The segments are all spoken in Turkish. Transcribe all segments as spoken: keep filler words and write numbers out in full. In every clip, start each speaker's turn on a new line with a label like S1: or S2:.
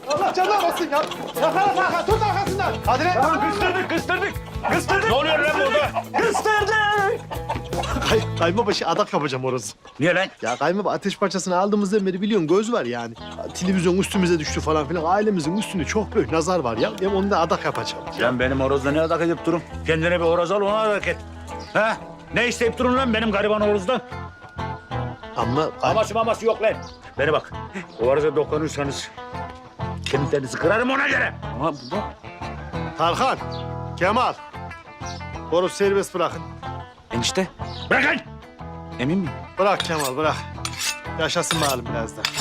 S1: Allah canına basın ya. Yakala Tarkan, tut arkasından. Hadi lan.
S2: Tamam, kıstırdık, kıstırdık. Kıstırdık. Ne oluyor lan burada? Kıstırdık.
S1: Kay, kaymabaşı adak yapacağım orası.
S2: Niye lan?
S1: Ya kaymaba ateş parçasını aldığımızdan beri biliyorsun göz var yani. Televizyon üstümüze düştü falan filan. Ailemizin üstünde çok büyük nazar var ya. Hem onu da adak yapacağım.
S2: Sen benim horozla ne adak edip durun? Kendine bir horoz al, ona adak et. Ha? Ne isteyip durun lan benim gariban horozdan?
S1: Ama...
S2: Aması maması yok lan. Bana bak, o horoza dokunursanız kemiklerinizi kırarım ona göre. Ama bu
S1: Tarkan, Kemal. Horoz serbest bırakın.
S3: Enişte,
S2: bırakın.
S3: emin miyim?
S1: Bırak Kemal, bırak. Yaşasın bakalım biraz da.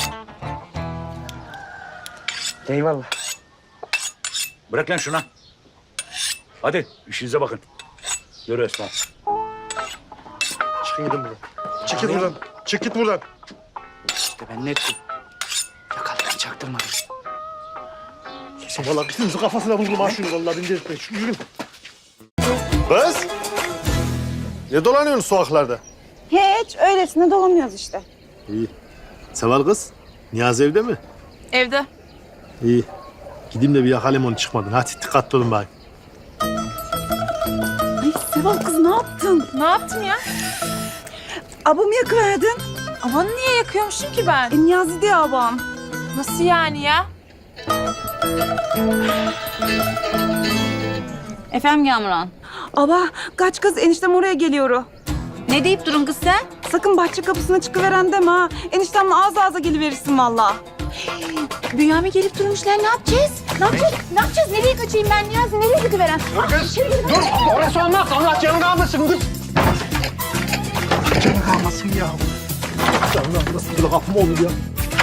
S3: Eyvallah.
S2: Bırak lan şuna. Hadi işinize bakın. Yürü Esma.
S1: Çıkın gidin buradan. Çık git buradan. Çık git buradan.
S3: İşte ben ne ettim? Yakaladım, çaktırmadım.
S1: Vallahi ikimizin kafasına vurdum ha şunu vallahi bin delirtme. Şu yürü. Kız! Ne dolanıyorsun sokaklarda?
S4: Hiç, öylesine dolanıyoruz işte.
S1: İyi. Seval kız, Niyazi evde mi?
S5: Evde.
S1: İyi. Gideyim de bir yakalayayım onu çıkmadın. Hadi dikkatli olun bari.
S4: Ay Seval kız ne yaptın?
S5: Ne yaptım ya?
S4: Abamı yakıverdin.
S5: Aman niye yakıyormuşum ki ben?
S4: E, Niyazi diye abam.
S5: Nasıl yani ya?
S6: Efendim Gamran.
S4: Aba kaç kız eniştem oraya geliyor.
S6: Ne deyip durun kız sen?
S4: Sakın bahçe kapısına çıkıveren deme ha. Eniştemle ağız ağza geliverirsin valla.
S6: Bünyamin gelip durmuşlar, ne yapacağız? Ne yapacağız? Ne yapacağız? Nereye kaçayım ben Niyazi? Nereye gidiveren?
S1: Dur kız, dur. Orası olmaz. Allah canını almasın kız. Canını almasın ya. Canını almasın. Böyle kapım olur ya.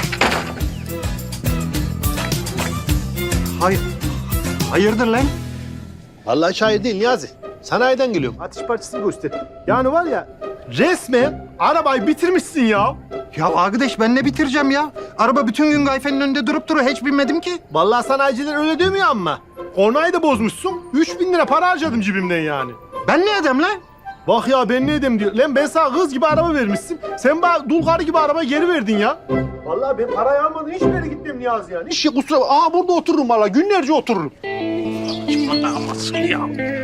S1: Hayır. Hayırdır lan? Vallahi şair değil Niyazi. Sanayiden geliyorum. Ateş parçasını göster. Yani var ya resmen arabayı bitirmişsin ya.
S7: Ya arkadaş ben ne bitireceğim ya? Araba bütün gün gayfenin önünde durup duruyor. Hiç binmedim ki.
S1: Vallahi sanayiciler öyle demiyor ama. Kornayı da bozmuşsun. Üç bin lira para harcadım cebimden yani.
S7: Ben ne edem lan?
S1: Bak ya ben ne edeyim diyor. Lan ben sana kız gibi araba vermişsin. Sen bana dul karı gibi araba geri verdin ya. Vallahi ben parayı almadan hiçbir yere gitmem Niyazi yani. Hiç kusura bakma. Aa burada otururum vallahi. Günlerce otururum. Anlamasın ya.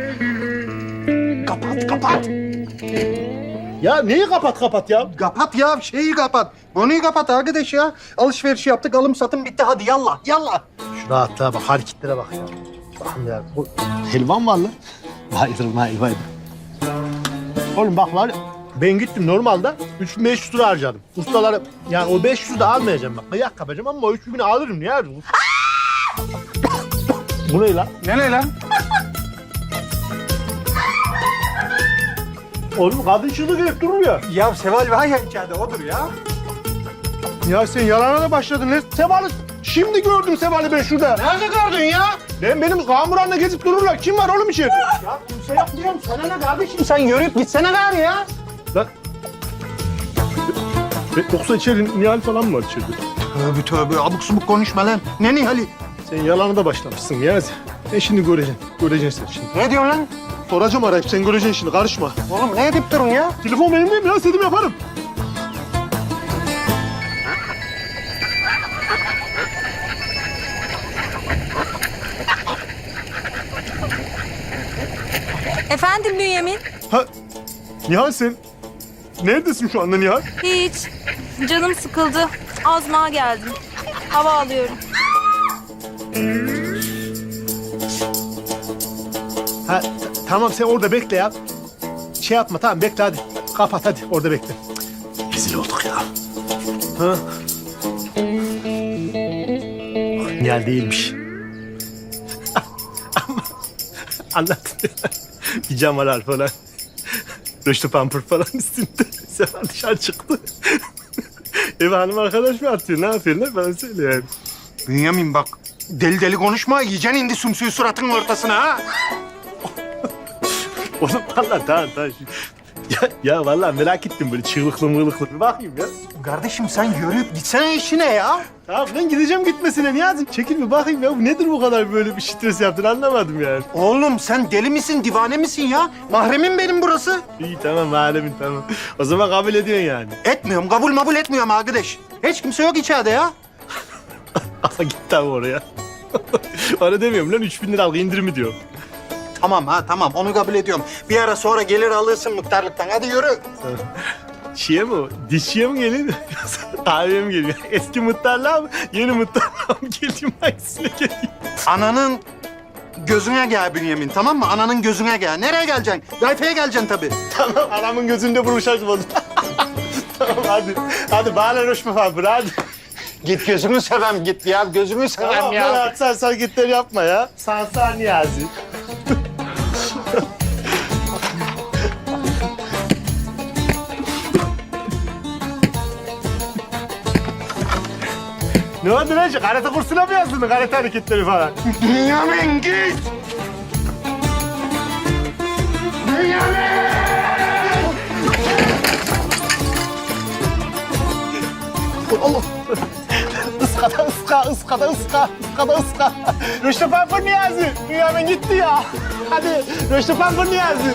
S1: Kapat kapat. Ya neyi kapat kapat ya?
S7: Kapat ya şeyi kapat. Bonuyu kapat arkadaş ya. Alışveriş yaptık alım satım bitti hadi yallah yallah.
S1: Şu rahatlığa bak, hareketlere bak ya. Bakın ya, bu helvan var lan. Hayır, hayır, hayır. Oğlum bak var ya, ben gittim normalde üç bin beş yüz lira harcadım. Ustaları, yani o beş yüzü de almayacağım bak. Kıyak yapacağım ama o üç bini alırım ya. Bu ne lan?
S7: Ne ne lan?
S1: Oğlum kadın çığlık edip durur ya.
S7: Ya Seval var ya içeride odur ya.
S1: Ya sen yalana da başladın lan. Seval'i şimdi gördüm Seval'i ben şurada.
S7: Nerede gördün ya?
S1: Lan benim kamuranla gezip dururlar. Kim var oğlum içeride?
S7: Ya kimse yok diyorum sana ne kardeşim sen yürüyüp gitsene gari ya.
S1: Lan. Yoksa içeri Nihal falan mı var içeride?
S7: Tövbe tövbe abuk subuk konuşma lan. Ne Nihal'i?
S1: Sen yalanı da başlamışsın Niyazi. Ben şimdi göreceğim. Göreceksin sen şimdi.
S7: Ne diyorsun lan?
S1: Soracağım arayıp sen göreceksin şimdi. Karışma.
S7: Oğlum ne edip durun ya?
S1: Telefon benim değil mi ya? İstediğimi yaparım.
S5: Efendim Bünyamin?
S1: Ha, Nihal sen neredesin şu anda Nihal?
S5: Hiç. Canım sıkıldı. Azmağa geldim. Hava alıyorum.
S1: Ha, t- tamam sen orada bekle ya. Şey yapma tamam bekle hadi. Kapat hadi orada bekle. Cık, rezil olduk ya. Ha? Nihal değilmiş. Ama anlat. Pijamalar falan. Röştü pampur falan üstünde. Sefer dışarı çıktı. Ev hanım arkadaş mı atıyor? Ne yapıyorlar? Bana söyle yani.
S7: Bünyamin bak deli deli konuşma yiyeceksin indi sümsüğü suratının ortasına ha.
S1: Oğlum vallahi tamam tamam. Ya, ya vallahi merak ettim böyle çığlıklı mığlıklı. Bir bakayım ya.
S7: Kardeşim sen yürüyüp gitsene işine ya.
S1: Tamam ben gideceğim gitmesine Niyazi. Çekil bir bakayım ya. Bu nedir bu kadar böyle bir stres yaptın anlamadım yani.
S7: Oğlum sen deli misin, divane misin ya? Mahremim benim burası.
S1: İyi tamam alemin tamam. O zaman kabul ediyorsun yani.
S7: Etmiyorum, kabul mabul etmiyorum arkadaş. Hiç kimse yok içeride ya.
S1: Ama gitti abi oraya. Öyle demiyorum lan, üç bin liralık indirimi diyor.
S7: Tamam ha tamam onu kabul ediyorum. Bir ara sonra gelir alırsın muhtarlıktan. Hadi yürü.
S1: Şiye mi o? Dişçiye mi gelin? Kahveye mi geliyor? Eski muhtarlığa mı? Yeni muhtarlığa mı geleyim? Hangisine geleyim?
S7: Ananın gözüne gel Bünyamin tamam mı? Ananın gözüne gel. Nereye geleceksin? Gayfeye geleceksin tabii.
S1: Tamam, anamın gözünde buruşacağım o zaman. Tamam hadi. Hadi bağla Rüşmü abi, hadi.
S7: Git gözünü seveyim git ya. Gözünü seveyim
S1: Tamam
S7: ya.
S1: ya. Sen sen gitleri yapma ya. Sansar Niyazi. Ne oldu lan? Karate kursuna mı yazdın? Karate hareketleri falan.
S7: Bünyamin git.
S1: Allah! Iskada ıska, ıskada ıska, ıskada ıska. Rüştü Pampur Niyazi. Dünyanın gitti ya. Hadi Rüştü Pampur Niyazi.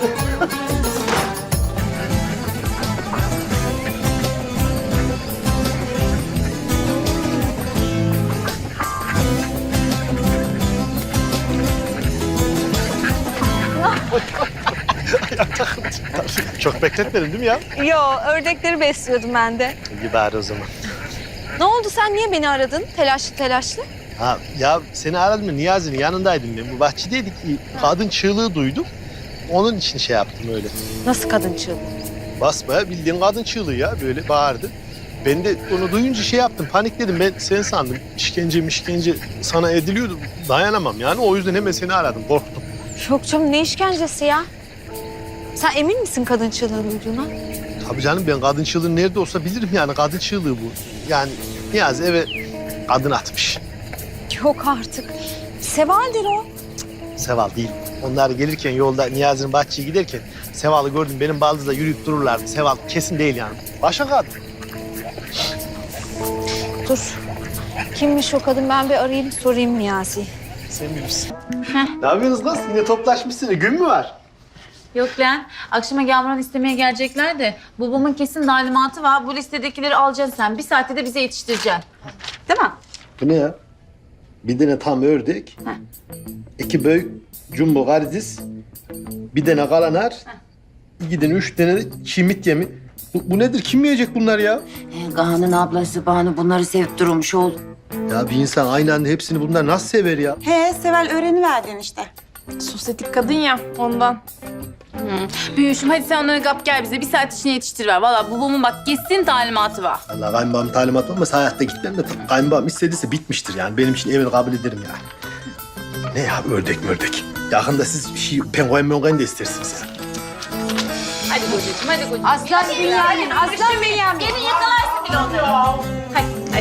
S1: Çok bekletmedin değil mi ya?
S5: Yo, ördekleri besliyordum ben de.
S1: İyi bari o zaman.
S5: Ne oldu, sen niye beni aradın telaşlı telaşlı?
S1: Ha ya seni aradım da Niyazi'nin yanındaydım ben. Bu bahçedeydik. Kadın çığlığı duydum. Onun için şey yaptım öyle.
S5: Nasıl kadın çığlığı?
S1: Basbaya bildiğin kadın çığlığı ya, böyle bağırdı. Ben de onu duyunca şey yaptım, panikledim. Ben seni sandım. İşkence mişkence sana ediliyordu. Dayanamam yani. O yüzden hemen seni aradım. Korktum.
S5: Yok canım, ne işkencesi ya? Sen emin misin kadın çığlığı duyduğuna?
S1: Tabii canım, ben kadın çığlığı nerede olsa bilirim yani. Kadın çığlığı bu. Yani Niyazi eve kadın atmış.
S5: Yok artık. Seval'dir o.
S1: Seval değil. Onlar gelirken yolda Niyazi'nin bahçeye giderken Seval'ı gördüm. Benim baldızla yürüyüp dururlardı. Seval kesin değil yani. Başka kadın.
S5: Dur. Kimmiş o kadın? Ben bir arayayım, sorayım Niyazi.
S1: Sen bilirsin. Ne yapıyorsunuz kız? Yine toplaşmışsınız. Gün mü var?
S6: Yok lan. Akşama Gamran istemeye gelecekler de babamın kesin talimatı var. Bu listedekileri alacaksın sen. Bir saatte de bize yetiştireceksin. Değil mi?
S1: Bu ne ya? Bir tane tam ördek, iki büyük jumbo karides, bir tane kalanar, iki tane üç tane de çimit yemi. Bu, bu nedir? Kim yiyecek bunlar ya?
S8: Kaan'ın ablası Banu bunları sevip durmuş oğlum.
S1: Ya bir insan aynı anda hepsini bunlar nasıl sever ya?
S4: He Seval öğreniverdin işte.
S9: Sosyetik kadın ya ondan.
S6: Büyüşüm hadi sen onları kap gel bize. Bir saat içine yetiştiriver. Valla babamın bak kesin talimatı var.
S1: Allah kayınbağam talimat olmasa hayatta gitmem de kayınbağam istediyse bitmiştir yani. Benim için evini kabul ederim yani. Ne ya ördek mi ördek? Yakında siz bir şey penguen menguen de istersiniz ya.
S6: Hadi kocacığım hadi kocacığım.
S8: Aslan Bünyamin, aslan Bünyamin.
S6: Gelin yakalarsın bile onları. Hadi hadi.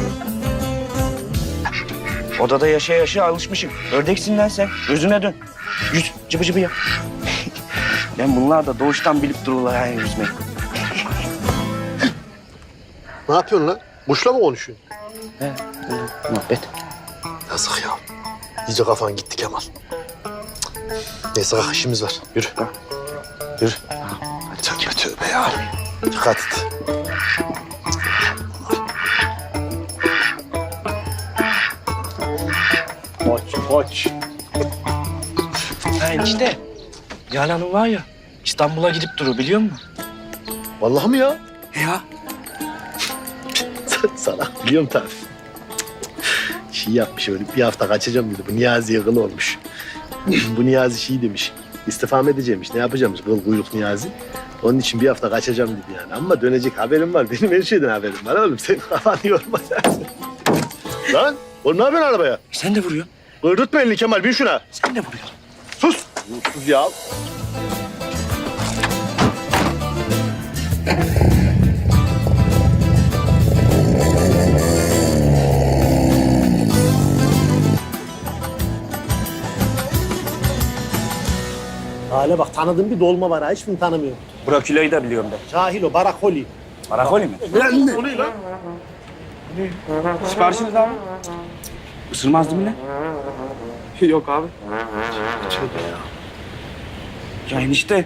S3: Odada yaşa yaşa alışmışım. Ördeksin lan sen. Gözüne dön. Yüz cıbı cıbı yap. Ben bunlar da doğuştan bilip dururlar yani yüzmeyi.
S1: Ne yapıyorsun lan? Kuşla mı konuşuyorsun?
S3: He, muhabbet.
S1: Yazık ya. İyice kafan gitti Kemal. Cık. Neyse kalk, işimiz var. Yürü. Yürü. Tövbe tövbe ya. Dikkat et. Koç, koç.
S3: Ha enişte. Yaren Hanım var ya İstanbul'a gidip durur biliyor musun?
S1: Vallahi mi ya?
S3: Ya.
S1: Sana biliyorum tabii. Şey yapmış öyle, bir hafta kaçacağım dedi. Bu Niyazi'ye kıl olmuş. Bu Niyazi şey demiş, istifam edeceğimmiş. Ne yapacağımız kıl kuyruk Niyazi. Onun için bir hafta kaçacağım dedi yani. Ama dönecek haberim var. Benim her şeyden haberim var oğlum. Senin kafanı yorma sen. Lan, oğlum ne yapıyorsun arabaya?
S3: Sen de vuruyorsun.
S1: Kırdırtma elini Kemal, bin şuna.
S3: Sen de vuruyorsun.
S1: Sus. Sus ya. Hale bak, tanıdığım bir dolma var ha. Hiçbirini tanımıyorum.
S3: Brokiloyu da biliyorum ben.
S1: Cahil o, barakoli.
S3: Barakoli mi?
S1: Lan o ne lan?
S3: Siparişiniz abi. Isırmaz değil mi lan?
S9: Yok abi.
S3: Ya enişte.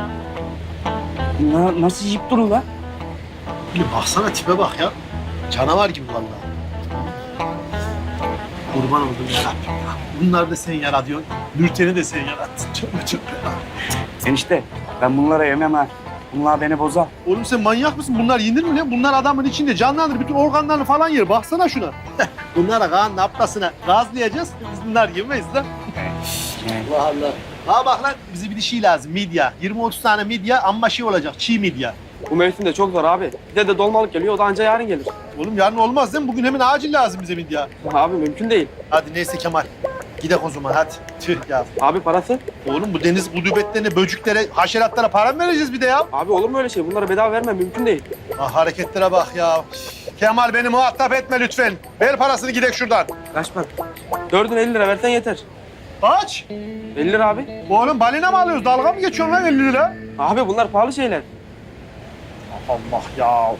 S3: Na, nasıl yiyip durur lan?
S1: Bir baksana tipe bak ya. Canavar gibi vallahi. Kurban oldum yarabbim. Bunları da sen yaratıyorsun. Nurten'i de sen yarattın. Çok çok.
S3: Enişte ben bunlara yemem ha. Bunlar beni bozar.
S1: Oğlum sen manyak mısın? Bunlar yenir mi lan? Bunlar adamın içinde canlandır. Bütün organlarını falan yer. Baksana şuna. Bunlara Kaan'ın aptasına gazlayacağız. Biz bunlar yemeyiz lan. Allah Allah. Ha bak lan bize bir de şey lazım. Midye. yirmi otuz tane midye amma şey olacak. Çiğ midye.
S9: Bu mevsimde çok zor abi. Bir de de dolmalık geliyor. O da anca yarın gelir.
S1: Oğlum yarın olmaz değil mi? Bugün hemen acil lazım bize midye.
S9: Abi mümkün değil.
S1: Hadi neyse Kemal. Gidek o zaman hadi. Tüh ya.
S9: Abi parası?
S1: Oğlum bu deniz gudubetlerine, böcüklere, haşeratlara para mı vereceğiz bir de ya?
S9: Abi olur mu öyle şey? Bunlara bedava vermem mümkün değil.
S1: Ah, hareketlere bak ya. Kemal beni muhatap etme lütfen. Ver parasını gidek şuradan.
S9: Kaç para? Dördün elli lira versen yeter.
S1: Kaç?
S9: elli lira abi.
S1: Oğlum balina mı alıyoruz? Dalga mı geçiyorsun lan elli lira?
S9: Abi bunlar pahalı şeyler.
S1: Allah ya.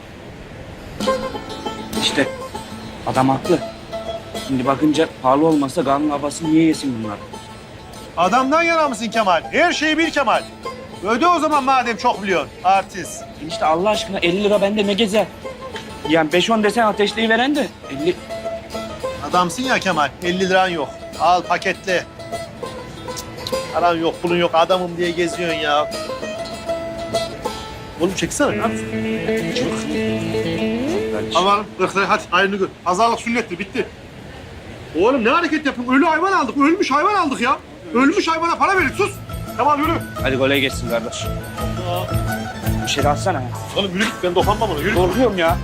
S3: İşte adam haklı. Şimdi bakınca pahalı olmasa kanun havası niye yesin bunlar?
S1: Adamdan yana mısın Kemal? Her şeyi bil Kemal. Öde o zaman madem çok biliyorsun. Artist.
S3: İşte Allah aşkına elli lira bende ne gezer? Yani beş on desen ateşleyi veren de elli.
S1: Adamsın ya Kemal. elli liran yok. Al paketle. Paran yok, pulun yok. Adamım diye geziyorsun ya. Oğlum çeksene. Ne yapıyorsun? Aman ırkları hadi ayrını gör. Pazarlık sünnettir bitti. Oğlum ne hareket yapıyorsun? Ölü hayvan aldık. Ölmüş hayvan aldık ya. Ölmüş hayvana para verin sus. Tamam yürü.
S3: Hadi kolay gelsin kardeş. Bir şey atsana ya.
S1: Oğlum yürü git ben dokunmam ona yürü.
S3: Korkuyorum ya.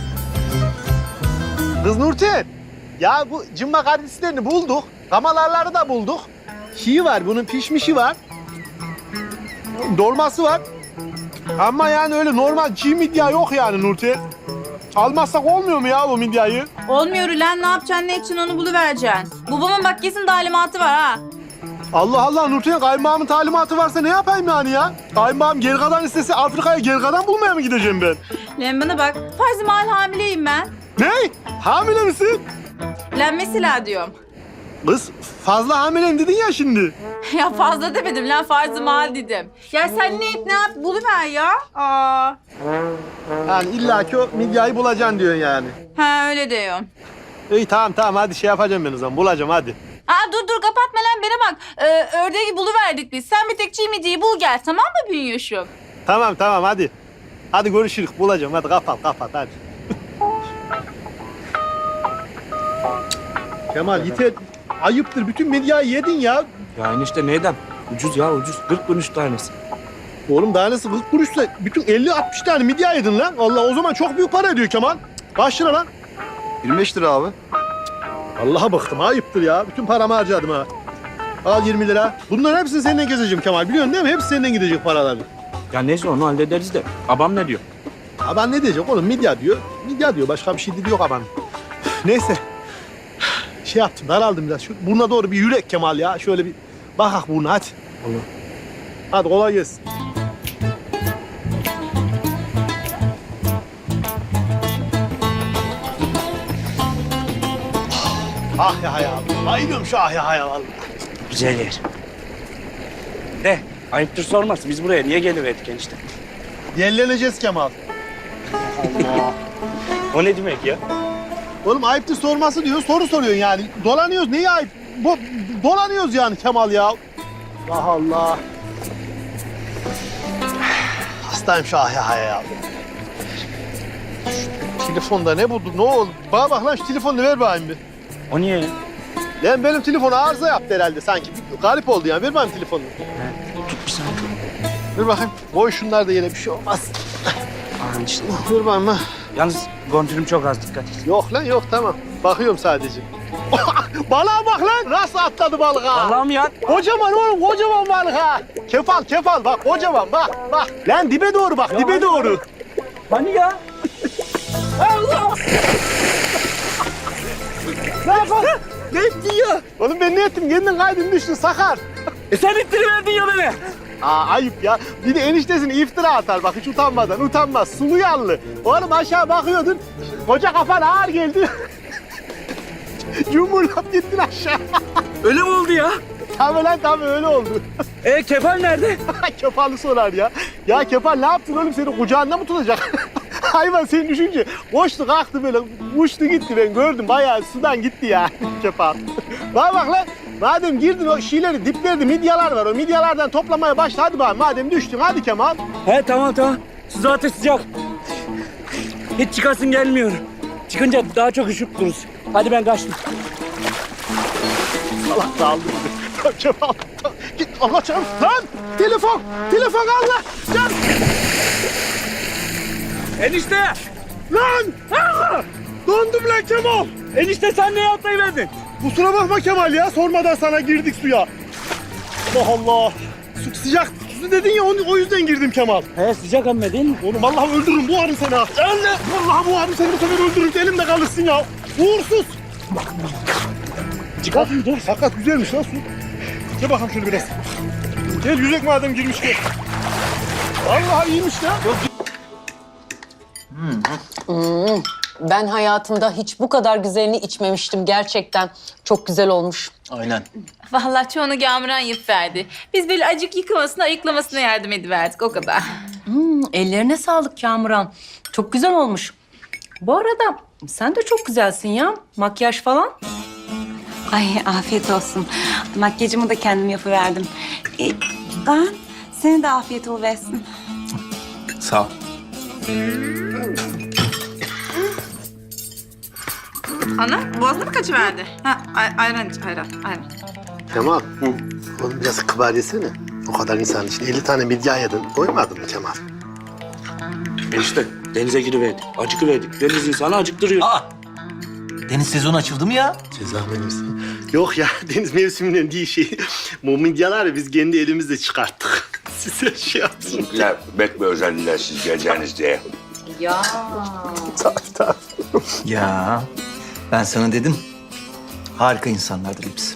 S1: Kız Nurten. Ya bu cımma kardeşlerini bulduk. Kamalarları da bulduk. Şiği var bunun pişmişi var. Dolması var. Ama yani öyle normal çiğ midye yok yani Nurten. Almazsak olmuyor mu ya bu midyayı?
S5: Olmuyor ulan, ne yapacaksın, ne için onu buluvereceksin. Babamın bak kesin talimatı var ha.
S1: Allah Allah Nurten kaymağımın talimatı varsa ne yapayım yani ya? Kaymağım gergadan istese Afrika'ya gergadan bulmaya mı gideceğim ben?
S5: Lan bana bak, farz-ı mahal hamileyim ben.
S1: Ne? Hamile misin?
S5: Lan mesela diyorum.
S1: Kız fazla hamileyim dedin ya şimdi.
S5: Ya fazla demedim lan, farz-ı mahal dedim. Ya sen ne et ne yap buluver ya. Aa.
S1: Yani illaki o midyayı bulacaksın diyorsun yani.
S5: Ha öyle diyorum.
S1: İyi tamam tamam hadi şey yapacağım ben o zaman bulacağım hadi.
S5: Aa dur dur kapatma lan bana bak. Ee, ördeği buluverdik biz. Sen bir tek çiğmeciyi bul gel, tamam mı Bünyoş'um?
S1: Tamam tamam hadi. Hadi görüşürüz bulacağım hadi kapat kapat hadi. Kemal yeter. Ayıptır bütün medyayı yedin ya.
S3: Ya enişte neyden? Ucuz ya ucuz. kırk kuruş tanesi.
S1: Oğlum daha nasıl kırk kuruşsa bütün elli altmış tane midye yedin lan. Allah o zaman çok büyük para ediyor Kemal. Kaç lira lan?
S7: yirmi beş lira abi.
S1: Allah'a bıktım ayıptır ya. Bütün paramı harcadım ha. Al yirmi lira. Bunların hepsini seninle gezeceğim Kemal. Biliyorsun değil mi? Hepsi senden gidecek paralar.
S3: Ya neyse onu hallederiz de. Babam ne diyor?
S1: Aban ne diyecek oğlum? Midye diyor. Midye diyor. Başka bir şey dedi yok aban. Neyse. Şey yaptım, daraldım biraz. Şu burnuna doğru bir yürek Kemal ya. Şöyle bir bakak burnuna hadi.
S3: Olur.
S1: Hadi kolay gelsin. Ah ya ya. Bayılıyorum şu ah ya ya vallahi.
S3: Güzel yer. De ayıptır sorması. Biz buraya niye geliverdik enişte?
S1: Yerleneceğiz Kemal. Allah.
S3: O ne demek ya?
S1: Oğlum ayıptır sorması diyor. Soru soruyorsun yani. Dolanıyoruz. Neyi ayıp? Bu, dolanıyoruz yani Kemal ya. Allah Allah. Hastayım şu ah ya ya. Şu telefonda ne buldu? Ne oldu? Bana bak lan şu telefonu ver bakayım bir.
S3: O niye ya?
S1: Lan benim telefon arıza yaptı herhalde sanki. Bir garip oldu yani. Ver bakayım telefonunu.
S3: Tut bir saniye.
S1: Ver bakayım. Koy şunlar da yere bir şey olmaz.
S3: Aa enişte.
S1: Ver bakayım ha.
S3: Yalnız kontürüm çok az dikkat et.
S1: Yok lan yok tamam. Bakıyorum sadece. Balığa bak lan. Nasıl atladı balık ha?
S3: Allah'ım ya.
S1: Kocaman oğlum kocaman balık ha. Kefal kefal bak kocaman bak bak. Lan dibe doğru bak dibe doğru.
S3: Hani ya?
S1: Allah! Ne yapalım? Ne ettin ya? Oğlum ben ne ettim? Kendin kaydın düştün sakar.
S3: E sen ittiriverdin ya beni.
S1: Aa ayıp ya. Bir de eniştesini iftira atar bak hiç utanmadan. Utanmaz. Sulu yanlı. Oğlum aşağı bakıyordun. Koca kafan ağır geldi. Yumurlap gittin aşağı.
S3: Öyle mi oldu ya?
S1: Tabii lan tabii öyle oldu.
S3: E kefal nerede?
S1: Kefalı sorar ya. Ya Kefal ne yaptın oğlum seni kucağında mı tutacak? Hayvan seni düşünce koştu kalktı böyle uçtu gitti ben gördüm. Bayağı sudan gitti ya Kemal. Bak bak lan. Madem girdin o şeyleri, diplerde midyalar var. O midyalardan toplamaya başla. Hadi bak madem düştün. Hadi Kemal.
S9: He tamam tamam. Su zaten sıcak. Hiç çıkasın gelmiyor. Çıkınca daha çok üşüp dururuz. Hadi ben kaçtım.
S1: Allah sağlık. Kemal. Git Allah canım. Lan telefon. Telefon Allah. Can.
S9: Enişte!
S1: Lan. Allah. Dondum lan Kemal.
S9: Enişte sen neye atlayıverdin?
S1: Kusura bakma Kemal ya. Sormadan sana girdik suya. Allah Allah. Su sıcak. Su dedin ya onu, o yüzden girdim Kemal.
S9: He sıcak amma değil mi?
S1: Oğlum vallahi öldürürüm boğarım seni ha. Öyle. Vallahi boğarım seni bu sefer öldürürüm. Elimde kalırsın ya. Uğursuz. Çıkar. Dur. Fakat güzelmiş lan su. Gel bakalım şöyle biraz. Gel yüzek madem girmiş gel. Vallahi iyiymiş ya.
S10: Hmm, ben hayatımda hiç bu kadar güzelini içmemiştim gerçekten. Çok güzel olmuş.
S7: Aynen.
S6: Vallahi çoğunu Gamuran yapıverdi. Biz böyle acık yıkamasına, ayıklamasına yardım ediverdik o kadar.
S10: Hmm, ellerine sağlık Kamuran. Çok güzel olmuş. Bu arada sen de çok güzelsin ya. Makyaj falan.
S4: Ay afiyet olsun. Makyajımı da kendim yapıverdim. E, Kaan, senin de afiyet oluversin.
S7: Sağ ol.
S5: Ana boğazına mı kaçıverdi? Ha ay, ayran iç ayran ayran.
S1: Kemal. Oğlum biraz kıbar yesene. O kadar insan için elli tane midye yedin. Doymadın mı Kemal?
S3: Enişte denize giriverdik. Acıkıverdik. Deniz insanı acıktırıyor.
S7: Aa! Deniz sezonu açıldı mı ya?
S1: Ceza mevsimi. Yok ya deniz mevsiminden değil şey. Bu midyeleri biz kendi elimizle çıkarttık. Size şey yapsın.
S2: Ya bekle özellikle siz geleceğiniz diye.
S10: Ya.
S1: Tabii tabii.
S7: Ya ben sana dedim. Harika insanlardır hepsi.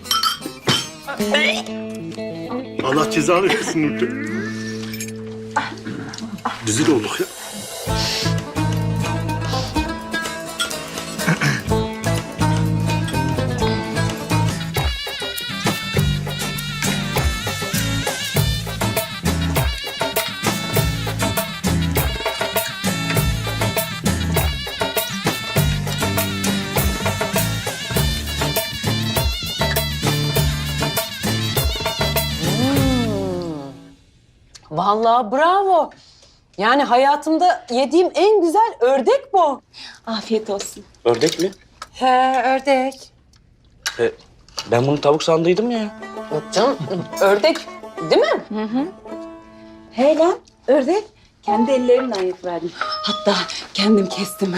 S1: Allah cezanı versin Nurten. Rezil olduk ya.
S10: Vallahi bravo. Yani hayatımda yediğim en güzel ördek bu.
S4: Afiyet olsun.
S3: Ördek mi?
S10: He ördek.
S3: E, ben bunu tavuk sandıydım ya.
S10: Yok canım ördek değil mi?
S4: He lan, ördek. Kendi ellerimle yapıverdim. Hatta kendim kestim.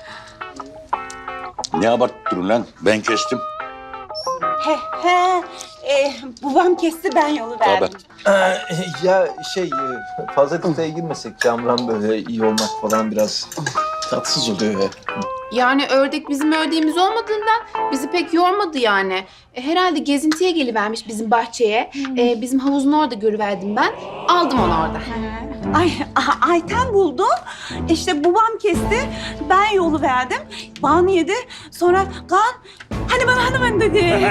S2: Ne abarttırın lan? Ben kestim.
S4: he he. E, babam kesti, ben yolu verdim.
S11: ya şey fazla detaya girmesek Kamran böyle iyi olmak falan biraz tatsız oluyor ya.
S5: Yani ördek bizim ördeğimiz olmadığından bizi pek yormadı yani. E, herhalde gezintiye gelivermiş bizim bahçeye. E, bizim havuzun orada görüverdim ben. Aldım onu orada.
S4: Ay, a- Ayten buldum. İşte babam kesti, ben yolu verdim. Banu yedi, sonra Kaan, hani bana hani ben dedi.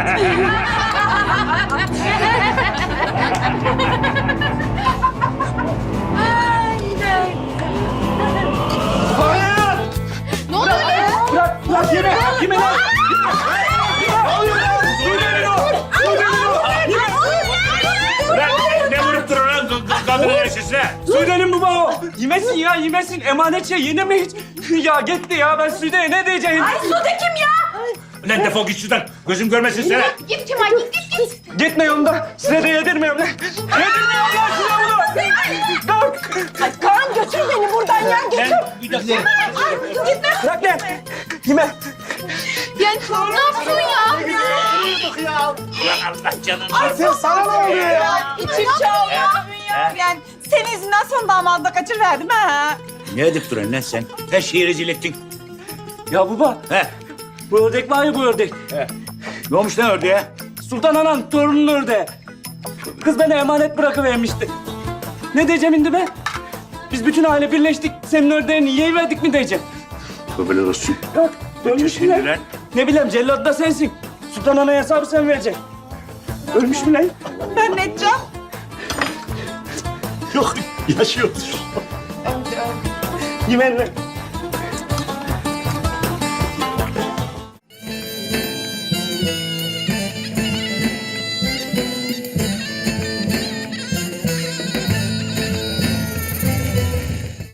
S5: Ne oluyor ya?
S9: Bırak, bırak yeme! Yeme lan!
S2: Lan ne, ne vurup durun lan k- kadının yaşısına?
S9: Sude'nin bu baba. Yemesin ya yemesin. Emanet şey yeneme hiç. Ya gitti ya ben Sude'ye ne diyeceğim? Ay
S5: Sude kim ya?
S2: Lan defol git şuradan. Gözüm görmesin seni.
S5: Git Kemal git git git.
S9: gitme yolunda. Size de yedirmiyorum lan. Yedirmiyorum lan size bunu. Dur.
S10: Kaan götür beni buradan ya götür.
S2: Lan bir dakika.
S9: Bırak lan. Yeme.
S5: Ya ne yapıyorsun ya?
S2: Ulan Allah canını.
S1: Sen sana ne oluyor ya?
S4: İçim çalıyor. Yani senin yüzünden son damadı da kaçırıverdim ha.
S2: Ne edip duran lan sen? Her şeyi rezil ettin.
S9: Ya baba.
S2: He.
S9: Bu ördek var ya bu ördek.
S2: Ne olmuş lan ördeğe?
S9: Sultan Anan torunun ördeği. Kız bana emanet bırakıvermişti. Ne diyeceğim şimdi be? Biz bütün aile birleştik. Senin ördeğini yiyiverdik mi diyeceğim.
S2: Tövbeler olsun.
S9: Yok. Ölmüş mü
S2: Şimdi
S9: lan?
S2: lan.
S9: Ne bileyim cellat da sensin. Sultan Ana'ya hesabı sen vereceksin. Ölmüş mü lan?
S4: Ben ne edeceğim?
S1: Yok yaşıyor.
S9: Yemen lan.